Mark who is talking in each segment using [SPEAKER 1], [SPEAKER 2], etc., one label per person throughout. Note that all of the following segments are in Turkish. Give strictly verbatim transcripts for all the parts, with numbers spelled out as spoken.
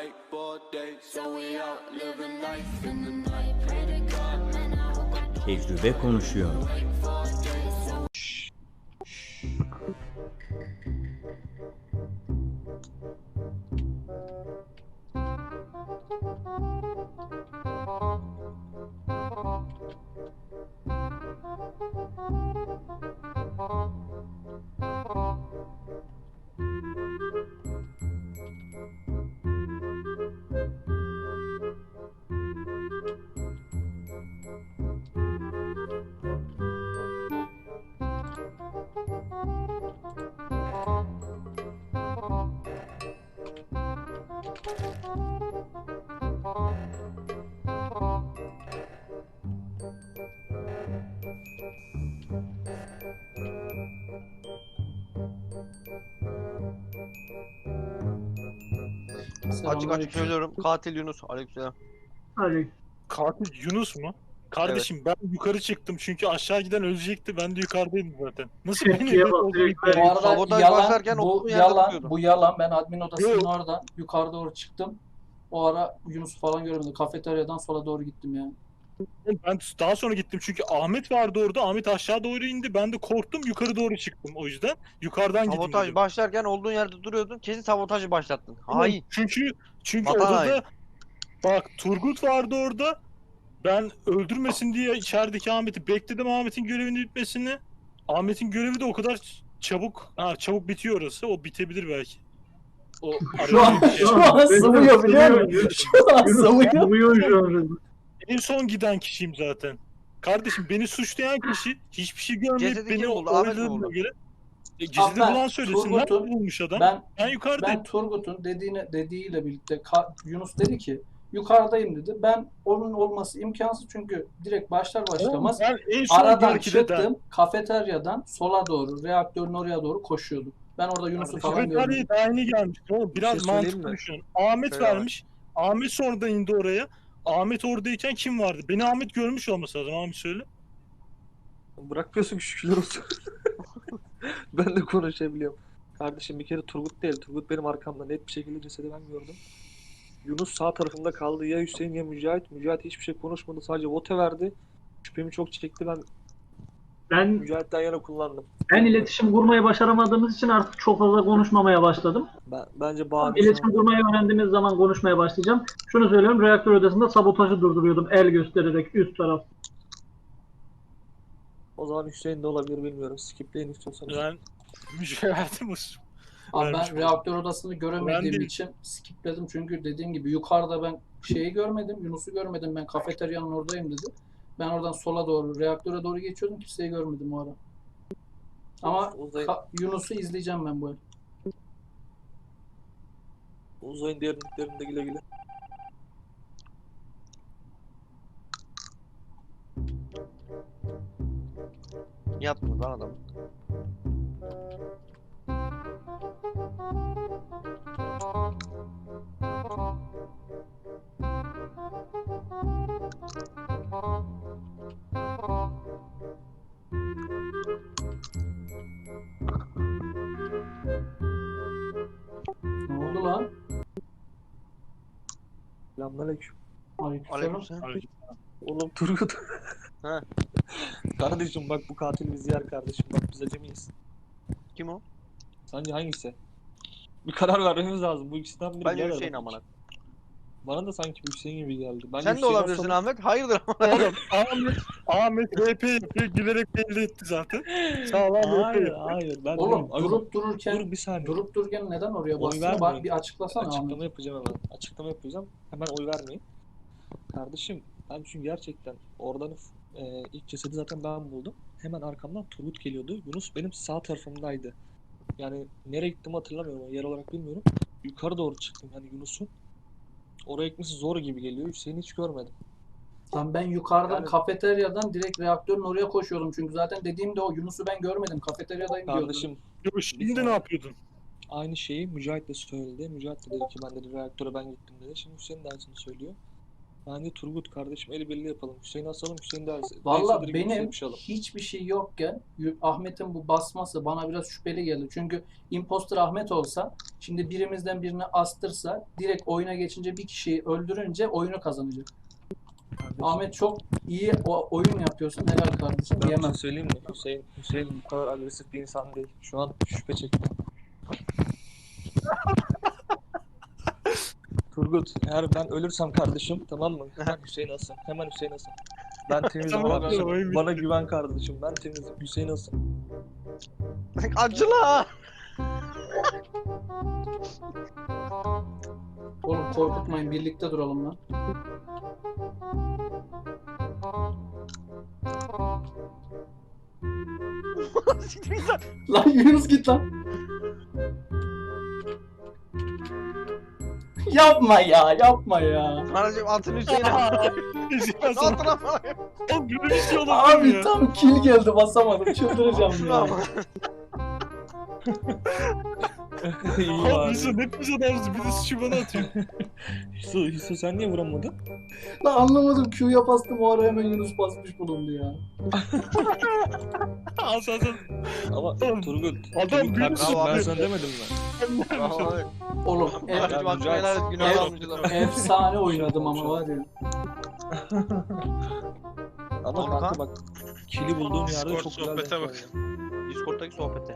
[SPEAKER 1] Tecrübe konuşuyor.
[SPEAKER 2] Açık açık söylüyorum. Katil Yunus. Aleykümselam.
[SPEAKER 3] Hadi.
[SPEAKER 4] Katil Yunus mu? Kardeşim ben yukarı çıktım çünkü aşağı giden ölecekti. Ben de yukarıdayım zaten. Nasıl benim
[SPEAKER 3] Tepkiye
[SPEAKER 4] evde
[SPEAKER 3] bak,
[SPEAKER 4] olduğunu
[SPEAKER 3] direkt
[SPEAKER 4] iddia
[SPEAKER 3] ver.
[SPEAKER 5] Bu
[SPEAKER 4] ediyorsun?
[SPEAKER 5] arada
[SPEAKER 2] Sabotaj
[SPEAKER 5] yalan,
[SPEAKER 2] başlarken
[SPEAKER 5] bu
[SPEAKER 2] olduğu yerde
[SPEAKER 5] yalan,
[SPEAKER 2] duruyordum.
[SPEAKER 5] bu yalan. Ben admin odasının
[SPEAKER 4] Yok.
[SPEAKER 5] orada yukarı doğru çıktım. O ara Yunus falan görmedim. Kafeteryadan sola doğru gittim yani.
[SPEAKER 4] Ben daha sonra gittim çünkü Ahmet vardı orada. Ahmet aşağı doğru indi. Ben de korktum yukarı doğru çıktım o yüzden. Yukarıdan gideyim
[SPEAKER 2] Sabotaj
[SPEAKER 4] dedim.
[SPEAKER 2] başlarken olduğun yerde duruyordun. Kesin sabotajı başlattın.
[SPEAKER 4] Ama
[SPEAKER 2] Hain.
[SPEAKER 4] Çünkü çünkü
[SPEAKER 2] Vatan
[SPEAKER 4] odada
[SPEAKER 2] haini.
[SPEAKER 4] bak Turgut vardı orada. Ben öldürmesin diye içerideki Ahmet'i bekledim, Ahmet'in görevini bitmesini. Ahmet'in görevi de o kadar çabuk, ha çabuk bitiyor orası. O bitebilir belki. O
[SPEAKER 3] Şu an,
[SPEAKER 4] arada-
[SPEAKER 3] şu
[SPEAKER 5] Şu
[SPEAKER 3] an
[SPEAKER 5] an sıvıyor biliyor musun?
[SPEAKER 3] Yunus,
[SPEAKER 5] Şu an
[SPEAKER 3] Yunus
[SPEAKER 5] sıvıyor.
[SPEAKER 3] sıvıyor şu an.
[SPEAKER 4] en son giden kişiyim zaten. Kardeşim beni suçlayan kişi hiçbir şey görmeyip
[SPEAKER 2] Cesedi
[SPEAKER 4] beni
[SPEAKER 2] kim buldu? Ahmet mi
[SPEAKER 4] oynadığına
[SPEAKER 2] buldu?
[SPEAKER 4] göre e,
[SPEAKER 5] Abi
[SPEAKER 4] cesedi
[SPEAKER 5] ben
[SPEAKER 4] bulan söylesin.
[SPEAKER 5] Turgut'un-
[SPEAKER 4] Nerede bulmuş adam? Ben,
[SPEAKER 5] Ben
[SPEAKER 4] yukarıdayım.
[SPEAKER 5] ben Turgut'un dediğine dediğiyle birlikte Ka- Yunus dedi ki yukarıdayım dedi. Ben onun olması imkansız çünkü direkt başlar başlamaz
[SPEAKER 4] Ben en son
[SPEAKER 5] aradan
[SPEAKER 4] belki de
[SPEAKER 5] çıktım. Kafeteryadan sola doğru, reaktörün oraya doğru koşuyordum. Ben orada Yunus'u
[SPEAKER 4] Kardeşim,
[SPEAKER 5] falan görmedim.
[SPEAKER 4] Kafeteryaya daha yeni gelmiş. Oğlum, biraz
[SPEAKER 6] Bir şey söyleyeyim
[SPEAKER 4] mantıklı
[SPEAKER 6] mi?
[SPEAKER 4] düşünün. Ahmet
[SPEAKER 2] Söyle bak.
[SPEAKER 4] vermiş. Ahmet sonradan indi oraya. Ahmet oradayken kim vardı? Beni Ahmet görmüş olması lazım. Ahmet söyle.
[SPEAKER 6] Bırakmıyorsun ki şükürler olsun. Ben de konuşabiliyorum. Kardeşim bir kere Turgut değil. Turgut benim arkamda net bir şekilde cesedi ben gördüm. Yunus sağ tarafımda kaldı. Ya Hüseyin ya Mücahit. Mücahit hiçbir şey konuşmadı. Sadece vote verdi. Şüphemi çok çekti. Ben
[SPEAKER 3] Ben
[SPEAKER 6] Mücahit'ten yana kullandım.
[SPEAKER 3] ben iletişim kurmayı başaramadığımız için artık çok fazla konuşmamaya başladım.
[SPEAKER 6] Ben, bence
[SPEAKER 3] Tam
[SPEAKER 6] bahane
[SPEAKER 3] İletişim kurmayı öğrendiğimiz zaman konuşmaya başlayacağım. Şunu söylüyorum, reaktör odasında sabotajı durduruyordum el göstererek üst taraf.
[SPEAKER 6] O zaman Hüseyin de olabilir bilmiyorum. Skipleyin istiyorsanız.
[SPEAKER 4] Ben mücadele
[SPEAKER 5] Abi
[SPEAKER 4] vermiş
[SPEAKER 5] ben
[SPEAKER 4] oldum.
[SPEAKER 5] reaktör odasını göremediğim
[SPEAKER 4] Ben de-
[SPEAKER 5] için skipledim çünkü dediğim gibi yukarıda ben şeyi görmedim, Yunus'u görmedim. Ben kafeteryanın oradayım dedi. Ben oradan sola doğru, reaktöre doğru geçiyordum. Kimseyi görmedim o ara. Ama
[SPEAKER 6] Uzayın,
[SPEAKER 5] ka- Yunus'u izleyeceğim ben bu el.
[SPEAKER 6] uzayın derinliklerinde güle güle.
[SPEAKER 2] Yaptınız lan adam.
[SPEAKER 5] Ne oldu lan?
[SPEAKER 6] Selamünaleyküm.
[SPEAKER 5] Aleykümselam.
[SPEAKER 2] Aleykümselam.
[SPEAKER 6] Oğlum Turgut.
[SPEAKER 2] He.
[SPEAKER 6] Kardeşim bak bu katil bizi yer kardeşim. Bak biz acemiyiz.
[SPEAKER 2] Kim o?
[SPEAKER 6] Sence hangisi? Bir karar vermemiz lazım. Bu ikisinden biri.
[SPEAKER 2] Bence
[SPEAKER 6] birader.
[SPEAKER 2] Hüseyin amına.
[SPEAKER 6] Bana da sanki bir Hüseyin gibi geldi. Bence
[SPEAKER 2] Sen de
[SPEAKER 6] Hüseyin
[SPEAKER 2] olabilirsin
[SPEAKER 6] olsa-
[SPEAKER 2] Ahmet. Hayırdır amına.
[SPEAKER 4] Oğlum Ahmet, Ahmet R P yapıyor. Gülerek belli etti zaten. Sağlam R P
[SPEAKER 6] Hayır
[SPEAKER 4] yapıyor.
[SPEAKER 6] hayır. Ben
[SPEAKER 5] Oğlum
[SPEAKER 6] değilim. Abi,
[SPEAKER 5] durup dururken
[SPEAKER 6] dur bir saniye.
[SPEAKER 5] durup dururken neden oraya
[SPEAKER 6] Oy
[SPEAKER 5] bastın?
[SPEAKER 6] vermeyin.
[SPEAKER 5] Bak bir açıklasana
[SPEAKER 6] Açıklama
[SPEAKER 5] Ahmet.
[SPEAKER 6] yapacağım hemen. Açıklama yapacağım. Hemen oy vermeyin. Kardeşim ben çünkü gerçekten oradan e, ilk cesedi zaten ben buldum. Hemen arkamdan Turgut geliyordu. Yunus benim sağ tarafımdaydı. Yani nereye gittim hatırlamıyorum. Yer olarak bilmiyorum. Yukarı doğru çıktım yani Yunus'un. Oraya gitmesi zor gibi geliyor. Hüseyin'i hiç görmedim.
[SPEAKER 5] Lan ben yukarıdan
[SPEAKER 6] Yani-
[SPEAKER 5] kafeteryadan direkt reaktörün oraya koşuyordum. Çünkü zaten dediğimde o Yunus'u ben görmedim. Kafeteryadayım diyordum.
[SPEAKER 6] Kardeşim
[SPEAKER 4] Yo, şimdi ne yapıyordun?
[SPEAKER 6] aynı şeyi Mücahit de söyledi. Mücahit de dedi ki ben dedi reaktöre ben gittim dedi. Şimdi Hüseyin de aynısını söylüyor. Bence Turgut kardeşim el birliği yapalım. Hüseyin'i asalım, Hüseyin derse.
[SPEAKER 5] Valla
[SPEAKER 6] direkt
[SPEAKER 5] benim
[SPEAKER 6] Hüseyin'i
[SPEAKER 5] hiçbir şey yokken y- Ahmet'in bu basması bana biraz şüpheli geldi. Çünkü imposter Ahmet olsa, şimdi birimizden birini astırsa, direkt oyuna geçince bir kişiyi öldürünce oyunu kazanacak.
[SPEAKER 6] Kardeşim,
[SPEAKER 5] Ahmet çok iyi o- oyun yapıyorsun. Helal kardeşim
[SPEAKER 6] ben bir
[SPEAKER 5] diyemem.
[SPEAKER 6] şey söyleyeyim mi? Hüseyin, Hüseyin bu kadar agresif bir insan değil. Şu an şüphe çektim. Turgut, eğer ben ölürsem kardeşim, tamam mı? Hemen Hüseyin asın. Hemen Hüseyin asın. Ben temizim
[SPEAKER 4] Tamam,
[SPEAKER 6] kardeşim.
[SPEAKER 4] oyun bitti.
[SPEAKER 6] Bana güven kardeşim. Ben temizim. Hüseyin asın.
[SPEAKER 2] Acıla.
[SPEAKER 5] Oğlum korkutmayın, birlikte duralım lan. Lan Yunus git lan. Yapma ya, yapma ya.
[SPEAKER 2] Anacığım atın Hüseyin'e.
[SPEAKER 4] Hüseyin asın.
[SPEAKER 2] Atın ama.
[SPEAKER 4] Oğlum böyle bir şey olabilir mi
[SPEAKER 5] Abi
[SPEAKER 4] ya?
[SPEAKER 5] tam kill geldi, basamadım. Çıldıracağım ya.
[SPEAKER 2] Ama.
[SPEAKER 6] İyi
[SPEAKER 4] Abi
[SPEAKER 6] bari.
[SPEAKER 4] Hüseyin ne pis adamsın. Bir de suçu bana atıyor.
[SPEAKER 6] Hüso, Hüso sen niye vuramadın?
[SPEAKER 5] Lan anlamadım, Q'ya bastım, o ara hemen Yunus basmış bulundu ya.
[SPEAKER 4] As as as.
[SPEAKER 6] Ama
[SPEAKER 4] Oğlum,
[SPEAKER 6] Turgut,
[SPEAKER 4] adam
[SPEAKER 6] Turgut
[SPEAKER 4] büyük
[SPEAKER 6] kardeşim
[SPEAKER 2] bravo
[SPEAKER 6] ben
[SPEAKER 2] abi.
[SPEAKER 6] sana demedim mi?
[SPEAKER 2] Vallahi.
[SPEAKER 5] Oğlum e-
[SPEAKER 2] Anacığım
[SPEAKER 6] Ya,
[SPEAKER 2] hakkını
[SPEAKER 6] rica
[SPEAKER 2] helal et.
[SPEAKER 6] ederim.
[SPEAKER 2] Günah
[SPEAKER 5] Evet.
[SPEAKER 2] almışlar.
[SPEAKER 5] efsane oynadım ama var ya.
[SPEAKER 6] Ama
[SPEAKER 2] Kanka.
[SPEAKER 6] kanka bak, kili bulduğum yerde
[SPEAKER 7] Discord
[SPEAKER 6] çok güzel
[SPEAKER 7] sohbete
[SPEAKER 6] denk
[SPEAKER 7] bak.
[SPEAKER 6] geldi.
[SPEAKER 2] Discord'daki sohbete.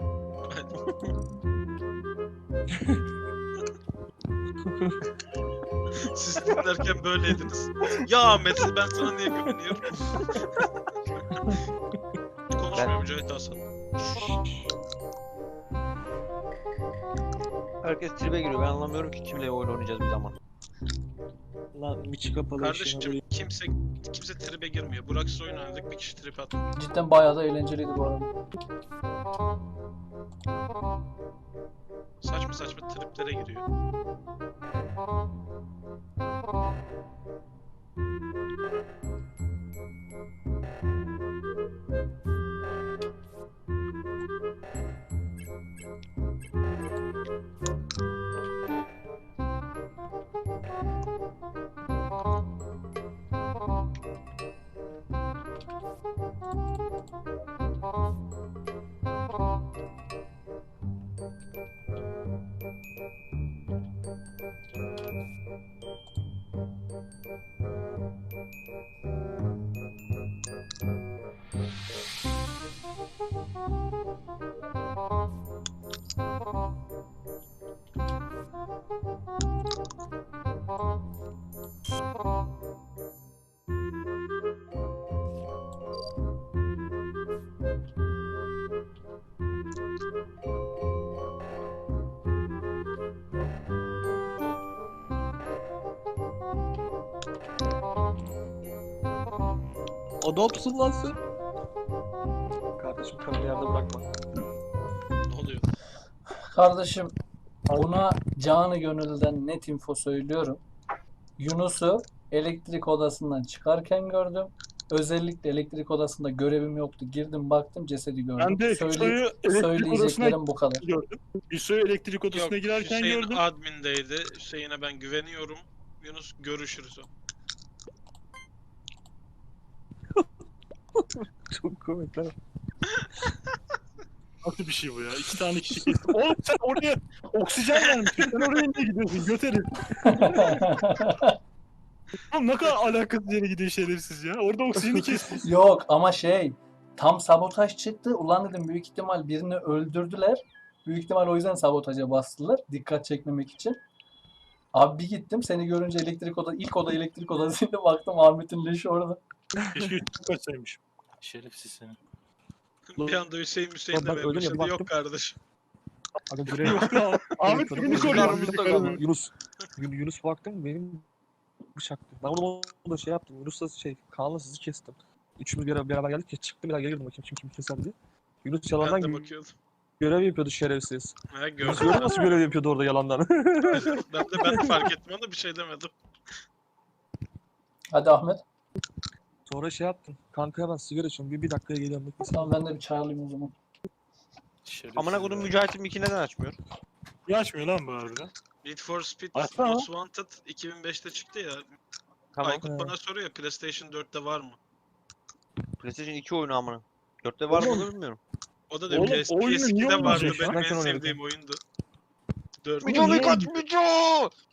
[SPEAKER 7] Siz dinlerken böyleydiniz. Ya Ahmet ben sana niye güveniyorum? Konuşmuyor Mücahit Hasan.
[SPEAKER 2] Herkes tribe giriyor. Ben anlamıyorum ki kimle oyun oynayacağız bir zaman.
[SPEAKER 6] Lan miçi kapalı
[SPEAKER 7] Kardeşim
[SPEAKER 6] işine
[SPEAKER 7] kimse kimse tribe girmiyor. Burak'sız oyun oynadık bir kişi trip attı.
[SPEAKER 5] Cidden bayağı da eğlenceliydi bu arada.
[SPEAKER 7] Saçma saçma triplere giriyor.
[SPEAKER 6] Adamsın lan sen. Kardeşim kanını yerde bırakma.
[SPEAKER 7] Ne oluyor?
[SPEAKER 5] Kardeşim buna canı gönülden net info söylüyorum. Yunus'u elektrik odasından çıkarken gördüm. Özellikle elektrik odasında görevim yoktu. Girdim baktım, cesedi gördüm.
[SPEAKER 4] Ben de
[SPEAKER 5] Söyle-
[SPEAKER 4] Hüso'yu elektrik odasına
[SPEAKER 5] söyleyeceklerim bu kadar.
[SPEAKER 4] gördüm. Hüso'yu elektrik odasına
[SPEAKER 7] Yok
[SPEAKER 4] girerken
[SPEAKER 7] Hüseyin
[SPEAKER 4] gördüm.
[SPEAKER 7] admindeydi. Hüseyin'e ben güveniyorum. Yunus görüşürüz o.
[SPEAKER 6] Çok komik lan.
[SPEAKER 4] Nasıl bir şey bu ya? İki tane kişi kestim. Oğlum sen oraya oksijen vermişsin. Sen oraya niye gidiyorsun? Göt herif. Oğlum ne kadar alakasız yere gidiyor şerefsiz ya. Orada oksijeni kestin.
[SPEAKER 5] Yok ama şey, tam sabotaj çıktı. Ulan dedim, büyük ihtimal birini öldürdüler. Büyük ihtimal o yüzden sabotaja bastılar. Dikkat çekmemek için. Abi bir gittim, seni görünce elektrik oda, ilk oda elektrik odasıydı, baktım Ahmet'in leşi orada.
[SPEAKER 4] Keşke üstüne kaçsaymışım. Şerefsiz seni.
[SPEAKER 7] Bir anda Hüseyin Hüseyin
[SPEAKER 6] Lan ben
[SPEAKER 7] demeye
[SPEAKER 6] öyle mi
[SPEAKER 7] başladı.
[SPEAKER 6] baktım?
[SPEAKER 7] Yok kardeşim.
[SPEAKER 6] Aga görev.
[SPEAKER 4] Yok ya. Ahmet beni koruyor.
[SPEAKER 2] Yunus'u koruyor.
[SPEAKER 6] Yunus. Yun- Yunus baktım benim bıçaktı. Ben onu da şey yaptım. Yunus'la şey Kaan'la sizi kestim. Üçümüz bir beraber geldik ya, çıktım bir daha gelirdim bakayım kim kim keser diye. Yunus yalandan
[SPEAKER 7] Ben de
[SPEAKER 6] gö-
[SPEAKER 7] bakıyordum.
[SPEAKER 6] görev yapıyordu şerefsiz.
[SPEAKER 7] Ha
[SPEAKER 6] Yunus
[SPEAKER 7] gördüm.
[SPEAKER 6] gördün nasıl görev yapıyordu orada yalandan.
[SPEAKER 7] ben de ben de fark ettim ama bir şey demedim.
[SPEAKER 5] Hadi Ahmet.
[SPEAKER 6] Sonra şey yaptım. Kanka ben sigara içiyorum. Bir, bir dakikaya geliyorum. Bekle.
[SPEAKER 5] Tamam, ben de bir çay alayım o zaman.
[SPEAKER 4] Şerefsiz
[SPEAKER 2] Amına kodum
[SPEAKER 4] ya.
[SPEAKER 2] Mücahit'in miki neden açmıyor?
[SPEAKER 4] Niye açmıyor lan bu harbiden?
[SPEAKER 7] Need for Speed
[SPEAKER 4] Açsana.
[SPEAKER 7] Most Wanted iki bin beşte çıktı ya.
[SPEAKER 2] Tamam.
[SPEAKER 7] Aykut bana soruyor PlayStation dörtte var mı?
[SPEAKER 2] PlayStation iki oyunu amına. dörtte var mı
[SPEAKER 4] Oğlum.
[SPEAKER 2] onu bilmiyorum.
[SPEAKER 7] O da diyor
[SPEAKER 4] Oğlum,
[SPEAKER 7] PS,
[SPEAKER 4] oyunu niye
[SPEAKER 7] P S ikide vardı
[SPEAKER 4] oynayacak
[SPEAKER 7] benim
[SPEAKER 6] ya?
[SPEAKER 7] en
[SPEAKER 6] Ben
[SPEAKER 7] sevdiğim oyundu. dört.
[SPEAKER 2] Mico
[SPEAKER 4] niye
[SPEAKER 2] Mico Mico!